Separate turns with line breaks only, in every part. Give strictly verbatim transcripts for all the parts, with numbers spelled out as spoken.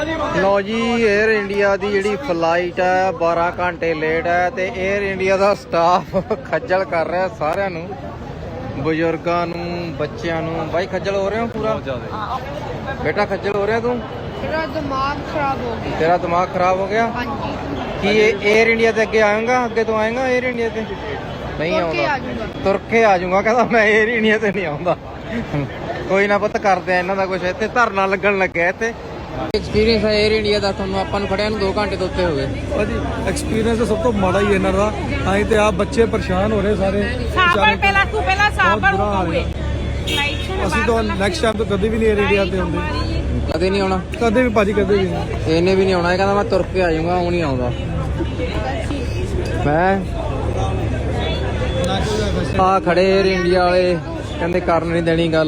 लो जी Air India की जी flight है बारह घंटे लेट है तो एयर इंडिया का स्टाफ खज्जल कर रहा है सारिਆਂ ਨੂੰ ਬਜ਼ੁਰਗਾਂ ਨੂੰ ਬੱਚਿਆਂ ਨੂੰ भाई खज्जल हो रहे हो पूरा बेटा खज्जल हो रहा तू
तेरा दिमाग खराब हो गया
तेरा दिमाग खराब हो गया
हाँ जी
कि एयर इंडिया से अगे आएगा अगे तो आएगा एयर इंडिया से नहीं आऊंगा तुर के आ जाऊंगा कहता मैं एयर इंडिया से नहीं आऊंगा कोई ना पता करते हैं इन्हों का कुछ इतने धरना लगन लगे इतने एक्सपीरियंस है एयर इंडिया का ਤੁਹਾਨੂੰ ਆਪਾਂ ਨੂੰ ਖੜਿਆਂ ਨੂੰ दो घंटे ਤੋਂ ਉੱਤੇ ਹੋ ਗਏ
ਭਾਜੀ ਐਕਸਪੀਰੀਅੰਸ ਤਾਂ ਸਭ ਤੋਂ ਮਾੜਾ ਹੀ ਇਹਨਾਂ ਦਾ ਆਏ ਤੇ ਆ ਬੱਚੇ ਪਰੇਸ਼ਾਨ ਹੋ ਰਹੇ ਸਾਰੇ
ਸਾਬਰ ਪਹਿਲਾਂ ਤੂੰ ਪਹਿਲਾਂ ਸਾਬਰ ਹੋਵੇ
ਅਸੀਂ ਤਾਂ ਨੈਕਸਟ ਟਾਈਮ ਤੋਂ ਕਦੇ ਵੀ ਨਹੀਂ 에ਅਰ ਇੰਡੀਆ ਤੇ ਹੁੰਦੇ
ਕਦੇ ਨਹੀਂ ਆਉਣਾ
ਕਦੇ ਵੀ ਭਾਜੀ ਕਦੇ ਵੀ ਨਹੀਂ
ਇਹਨੇ ਵੀ ਨਹੀਂ ਆਉਣਾ ਇਹ ਕਹਿੰਦਾ ਮੈਂ ਤੁਰ ਕੇ ਆ ਜਾਊਂਗਾ ਉਹ ਨਹੀਂ ਆਉਂਦਾ ਮੈਂ ਆ ਖੜੇ 에ਅਰ ਇੰਡੀਆ ਵਾਲੇ ਕਹਿੰਦੇ ਕਰਨ ਨਹੀਂ ਦੇਣੀ ਗੱਲ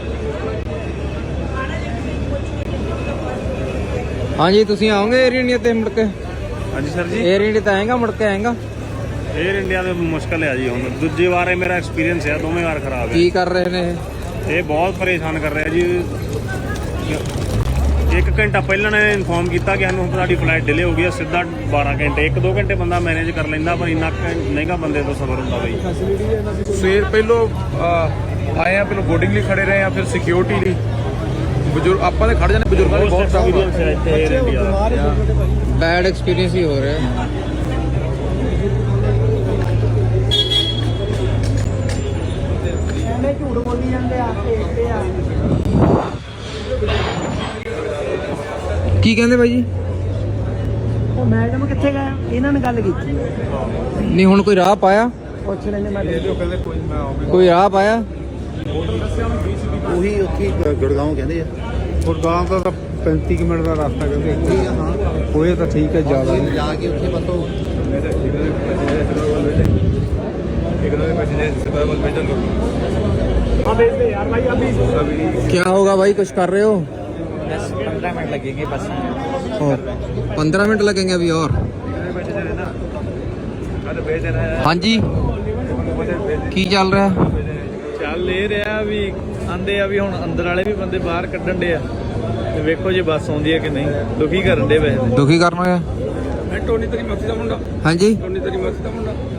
हाँ जी तुसी आओगे एयर इंडिया ते मुड़ के
हाँ जी सर जी
एयर इंडिया ते आएगा मुड़ के आएगा
एयर इंडिया तो मुश्किल है जी हम दूजी बार मेरा एक्सपीरियंस है दोवें बार खराब है
की कर रहे ने
ये बहुत परेशान कर रहे हैं जी एक घंटा पहले ने इन्फॉर्म किया कि हमें साड़ी फ्लाइट डिले हो गई सीधा बारह घंटे एक दो घंटे बंदा मैनेज कर लेंदा पर इन्ना महंगा बंदे तो सफर होंदा बई
ਸਵੇਰ ਪਹਿਲੋਂ ਆਏ ਆ ਪਹਿਲੋਂ ਬੋਰਡਿੰਗ ਲਈ ਖੜੇ ਰਹੇ ਆ ਫਿਰ ਸਿਕਿਉਰਿਟੀ ਲਈ ਬਜ਼ੁਰਗ ਆਪਾਂ ਦੇ ਖੜ ਜਾਣੇ ਬਜ਼ੁਰਗਾਂ ਦੇ ਬਹੁਤ ਸਾਰਾ
एक्सपीरियंस है इत्थे एयर इंडिया दा
बैड एक्सपीरियंस ही हो रहा है
ਝੂਠ ਬੋਲੀ ਜਾਂਦੇ ਆ ਤੇ ਆ
की कहंदे भाई जी
ਉਹ ਮੈਡਮ ਕਿੱਥੇ ਗਏ ਇਹਨਾਂ ਨੇ ਗੱਲ ਕੀਤੀ
नहीं हुण कोई राह पाया
ਪੁੱਛ ਲੈਣੇ ਮੈਂ
ਕਹਿੰਦੇ ਕੋਈ ਮੈਂ ਆਉਂਗਾ
कोई राह पाया
ਉਹੀ ਉੱਥੇ ਗੁੜਗਾਉਂ ਕਹਿੰਦੇ ਆ
ਗੁਰਗਾਮ ਦਾ ਤਾਂ पैंतीस ਮਿੰਟ ਦਾ ਰਸਤਾ ਕਹਿੰਦੇ ਹਾਂ ਹੋਏ ਤਾਂ ਠੀਕ ਹੈ ਜ਼ਿਆਦਾ ਨਹੀਂ
ਜਾ ਕੇ ਉੱਥੇ ਪਤੋ
क्या होगा भाई कुछ कर रहे हो
बस पंद्रह मिनट लगेंगे बस
पंद्रह मिनट लगेंगे अभी और हाँ जी की चल रहा है
ਚੱਲ ਇਹ ਰਿਹਾ ਵੀ ਆਂਦੇ ਆ ਵੀ ਹੁਣ ਅੰਦਰ ਵਾਲੇ ਵੀ ਬੰਦੇ ਬਾਹਰ ਕੱਢਣ ਦੇ ਆ ਤੇ ਵੇਖੋ ਜੇ ਬੱਸ ਆਉਂਦੀ ਹੈ ਕਿ ਨਹੀਂ ਦੁਖੀ ਕਰਨ ਦੇ ਵੈਸੇ
दुखी करना है
ਮੈਂ ਟੋਨੀ ਤੇਰੀ ਮਾਸੀ ਦਾ ਮੁੰਡਾ
हाँ जी
ਟੋਨੀ ਤੇਰੀ ਮਾਸੀ ਦਾ ਮੁੰਡਾ